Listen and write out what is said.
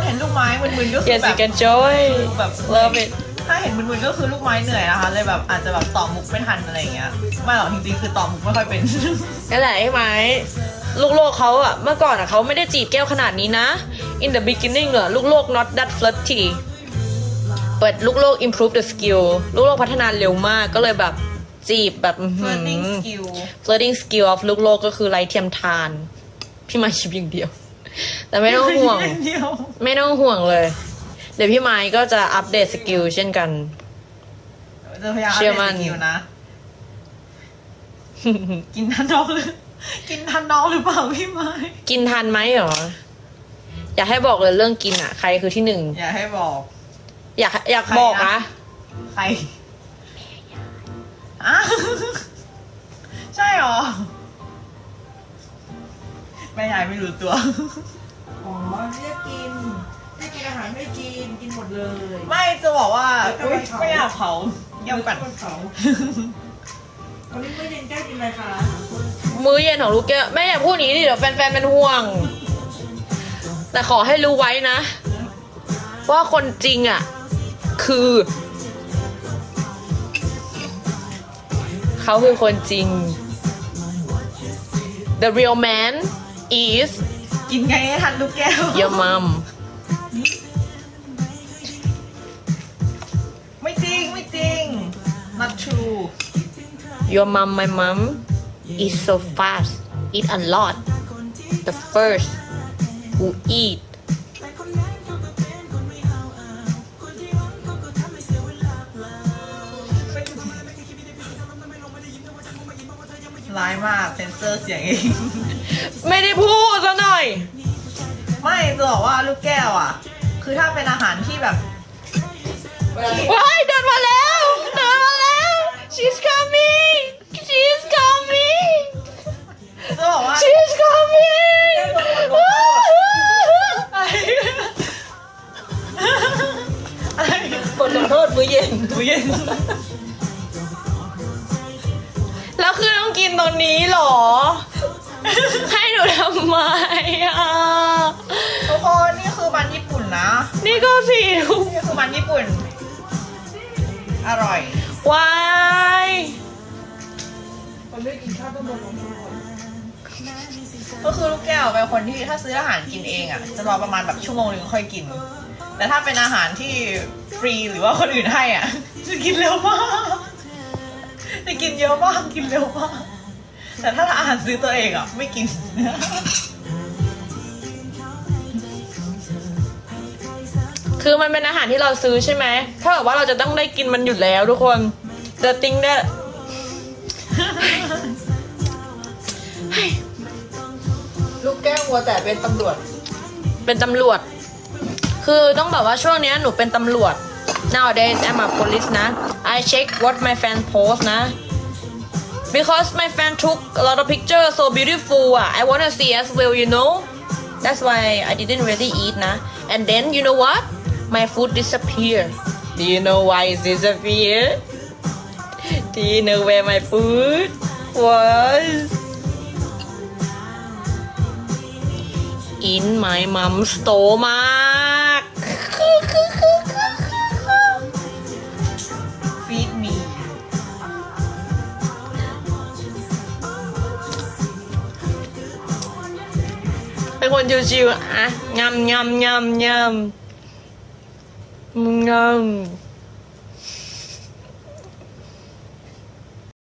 เห็นลูกไม้มึนๆก็คือ Yes แบ you บ can join แบบ love it ถ้าเห็นมึนๆก็คือลูกไม้เหนื่อยนะคะเลยแบบอาจจะแบบต่อมุกไม่ทันอะไรอย่างเงี้ยไม่หรอกจริงๆคือต่อมุกไม่ค่อยเป็นนั่นแหละไอ้ไม้ลูกโลกเขาอะเมื่อก่อนอะเขาไม่ได้จีบแก้วขนาดนี้นะ in the beginning อะลูกโลก not that flirty but ลูกโลก improve the skill ลูกโลกพัฒนาเร็วมากก็เลยแบบจีบแบบ flirting skill flirting skill of ลูกโลกก็คือไร้เทียมทาน พี่ไม้ชิปอย่างเดียว แต่ไม่ต้องห่วง ไม่ต้องห่วงเลย เดี๋ยวพี่ไม้ก็จะอัปเดตสกิลเช่นกันจะพยายามเชื่อมั่นสกิลนะ กินทันน้องหรือกินทันน้องหรือเปล่าพี่ไม้กินทันไหมเหรอ อยากให้บอกเลยเรื่องกินอะใครคือที่หนึ่งอย่าให้บอกอยากบอกใครนะนะใครอ่ะ ใช่หรอแม่ยายไม่รู้ตัวอ๋อเรียกกินอาหารไม่กินกินหมดเลยไม่จะบอกว่าแล้วก็อุ๊ยไปเผาไม่อยากเผาเยี่ยมกันเผาวันนี้ไม่เย็นแก้กินอะไรคะมื้อเย็นของลูกแก้วแม่อย่าพูดอย่างนี้ดิเดี๋ยวแฟนๆเป็นห่วง แต่ขอให้รู้ไว้นะ ว่าคนจริงอ่ะ คือ เขาคือคนจริง the real man is กินไงให้ทันลูกแก้ว your mom ไม่จริงไม่จริง not true your mom my mom is so fast eat a lot the first who eat ร้ายมากเซนเซอร์เสียงเองไม่ได้พูดซะหน่อยไม่จะบอกว่าลูกแก้วอ่ะ คือถ้าเป็นอาหารที่แบบว้ายเดินมาแล้วเดินมาแล้ว she's coming she's coming จะบอกว่า she's coming บทลงโทษมื้อเย็นมื้อเย็นแล้วคือต้องกินตรงนี้เหรอ ให้หนูทำไมอ่ะทุกคนนี่คือมันญี่ปุ่นนะนี่ก็สิทุกนี่คือมันญี่ปุ่น อร่อยวายมันไม่กินข้าวต้องโดนลงโทษก็คือลูกแก้วเป็นคนที่ถ้าซื้ออาหารกินเองอ่ะ จะรอประมาณแบบชั่วโมงนึงค่อยกิน แต่ถ้าเป็นอาหารที่ฟรีหรือว่าคนอื่นให้อ่ะ จะกินเร็วมากจะกินเยอะมากกินเร็วมากแต่ถ้าอาหารซื้อตัวเองอ่ะไม่กินคือมันเป็นอาหารที่เราซื้อใช่ไหมถ้าแบบว่าเราจะต้องได้กินมันอยู่แล้วทุกคน the thing that ลูกแก้ววัวแต่เป็นตำรวจเป็นตำรวจ คือต้องแบบว่าช่วงเนี้ยหนูเป็นตำรวจ nowadays I'm a police นะ I check what my fan post นะ because my fan took a lot of pictures so beautiful อ่ะ I wanna see as well you know that's why I didn't really eat นะ and then you know what my food disappear do you know why it disappear do you know where my food was in my mom's stomach ฟีดมีเป็นคนชิวๆอะงำงำงำงำงำ